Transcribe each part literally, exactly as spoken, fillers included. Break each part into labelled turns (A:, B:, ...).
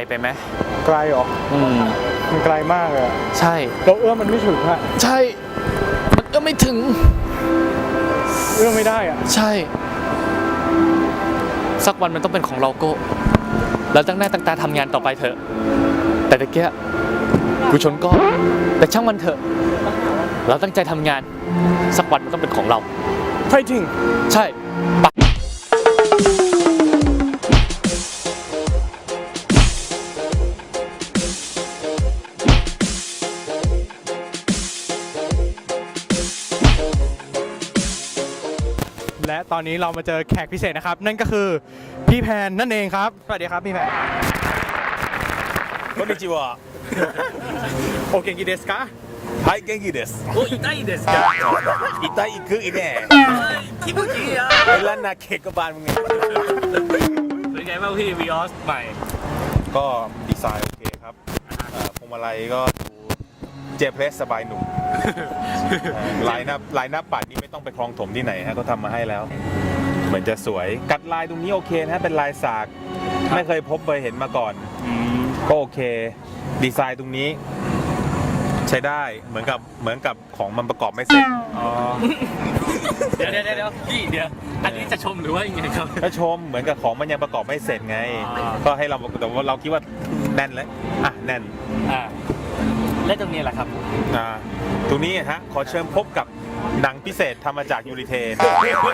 A: ไปไหม
B: ไกลหรออืมมันไกลมากเลย
A: ใช่
B: เราเอื้อมมันไม่ถึงอะ
A: ใช่มันเอื้อมไม่ถึง
B: เอื้อมไม่ได้อะ
A: ใช่สักวันมันต้องเป็นของเราโก้เราตั้งหน้าตั้งตาทำงานต่อไปเถอะแต่ตะเกียกูชนก้อนแต่ช่างมันเถอะเราตั้งใจทำงานสักวันมันต้องเป็นของเรา
B: ใช่จริง
A: ใช่ปะ
B: และตอนนี้เรามาเจอแขกพิเศษนะครับนั่นก็คือพี่แพนนั่นเองครับสวัสดีครับพี่แพน
C: こんにちは
B: โอเคกิเดสกะ
C: はい元気です
D: お痛いですか
C: 痛いくいね
D: 気持ちいいや
C: ไอ้ล้านนาเค้กบานมึงไง
D: เป็นไงบ้างพี่วีออสใหม่
C: ก็ดีไซน์โอเคครับพวงมาลัยก็ดูเจเพลสสบายหนุ่มลายหน้าลายหน้าปัดนี่ไม่ต้องไปคลองถมที่ไหนฮะเขาทำมาให้แล้วเหมือนจะสวยกัดลายตรงนี้โอเคนะเป็นลายสากไม่เคยพบเคยเห็นมาก่อนก็โอเคดีไซน์ตรงนี้ใช้ได้เหมือนกับเหมือนกับของมันประกอบไม่เสร็จ
D: อ๋อเดี๋ยวเดี๋ยวเดี๋ยวพี่เดี๋ยวอันนี้จะชมหรือว่ายังไงครับ
C: ก็ชมเหมือนกับของมันยังประกอบไม่เสร็จไงก็ให้เราแต่ว่าเราคิดว่าแน่นเลยอ่ะแน่น
D: อ่าและตรงนี้แหละครับ
C: อ่าตรงนี้ฮะขอเชิญพบกับหนังพิเศษทำมาจากยูริเทน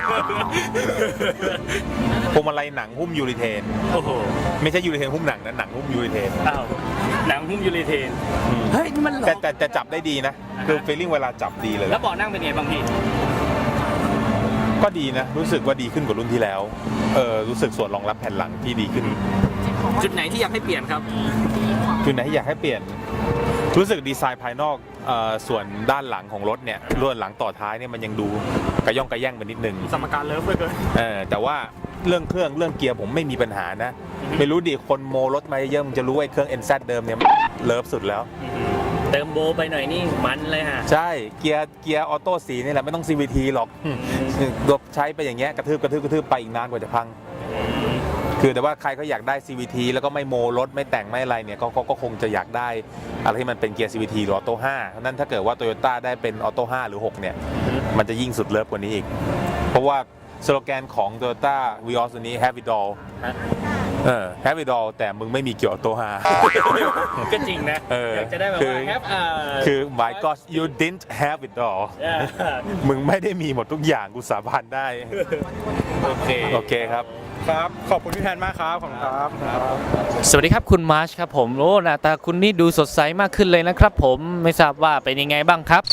C: พวงมาลัยหนังหุ้มยูริเทน
D: โอ้โห
C: ไม่ใช่ยูริเทนหุ้มหนังนะหนังหุ้มยูริเทน
D: อ้าวหนังหุ้มยูริเทนเฮ้ยนี่มัน
C: แต่แต่แต่จับได้ดีนะคือฟีลลิ่งเวลาจับดีเลย
D: แล้วเบาะนั่งเป็นไงบางที
C: ก็ดีนะรู้สึกว่าดีขึ้นกว่ารุ่นที่แล้วเออรู้สึกส่วนรองรับแผ่นหลังที่ดีขึ้น
D: จุดไหนที่อยากให้เปลี่ยนครับ
C: จุดไหนที่อยากให้เปลี่ยนรู้สึกดีไซน์ภายนอกส่วนด้านหลังของรถเนี่ยลวดหลังต่อท้ายเนี่ยมันยังดูกระย่องกระแย่งไปนิดนึง
B: สมการเลิฟเลยเกิน
C: เออแต่ว่าเรื่องเครื่องเรื่องเกียร์ผมไม่มีปัญหานะไม่รู้ดิคนโมรถมาเยอะมันจะรู้ไอ้เครื่อง เอ็น แซด เดิมเนี่ยเลิฟสุดแล้ว
D: เติมโบไปหน่อยนี่มันเลยฮะ
C: ใช่เกียร์เกียร์ออโต้สีนี่แหละไม่ต้อง ซี วี ที หรอกดบใช้ไปอย่างเงี้ยกระทืบกระทืบกระทืบไปอีกนานกว่าจะพังคือแต่ว่าใครก็อยากได้ ซี วี ที แล้วก็ไม่โมรถไม่แต่งไม่อะไรเนี่ยก็ก็คงจะอยากได้อะไรที่มันเป็นเกียร์ ซี วี ที หรือออโต้ห้าเพราะนั้นถ้าเกิดว่า Toyota ได้เป็นออโต้ห้าหรือหกเนี่ยมันจะยิ่งสุดเลิฟกว่านี้อีกเพราะว่าสโลแกนของ Toyota Vios ตัวนี้ Have it all เออ Have it all แต่มึงไม่มีเกียร์ออโต้ห้า
D: ก็จริงนะอยากจะได้แบบว่า Have
C: คือ My God you didn't have it all มึงไม่ได้มีหมดทุกอย่างกูสาบานได้
D: โอเค
C: โอเคครับ
B: ครับขอบคุณพี่แพนมากครับขอบคุณครับ
A: สวัสดีครับคุณมาร์ชครับผมโอ้หน้าตาคุณนี่ดูสดใสมากขึ้นเลยนะครับผมไม่ทราบว่าเป็นยังไงบ้างครับ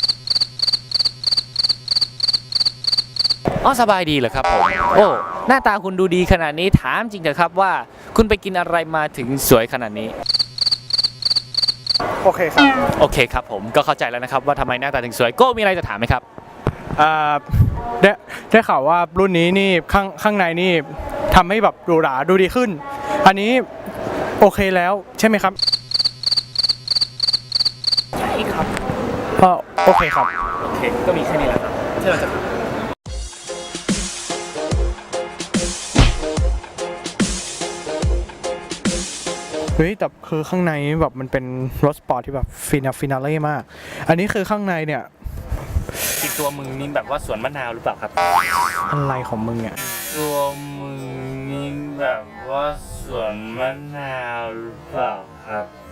A: อ๋อสบายดีเหรอครับผมโอ้หน้าตาคุณดูดีขนาดนี้ถามจริงเถอะครับว่าคุณไปกินอะไรมาถึงสวยขนาดนี้
B: โอเคครับ
A: โอเคครับผมก็เข้าใจแล้วนะครับว่าทำไมหน้าตาถึงสวยโก้มีอะไรจะถามไหมครับ
B: อ่าได้ได้ข่าวว่ารุ่นนี้นี่ข้างข้างในนี่ทำให้แบบหรูหราดูดีขึ้นอันนี้โอเคแล้วใช่ไหมครับ
D: ใช่ครับ
B: ก็โอเคครับ
D: โอเคก็มีแค่นี้แหละครับที่เราจะ
B: เฮ้ยแต่คือข้างในแบบมันเป็นรถสปอร์ตที่แบบฟินาฟินาเล่มากอันนี้คือข้างในเนี่ย
D: อีกตัวมึงนี่แบบว่าสวนมะนาวหรือเปล่าครับ
B: อะไรของมึงเนี่ย
D: ตัวมึงนี่แบบว่าสวนมะนาวหรือเปล่าครับ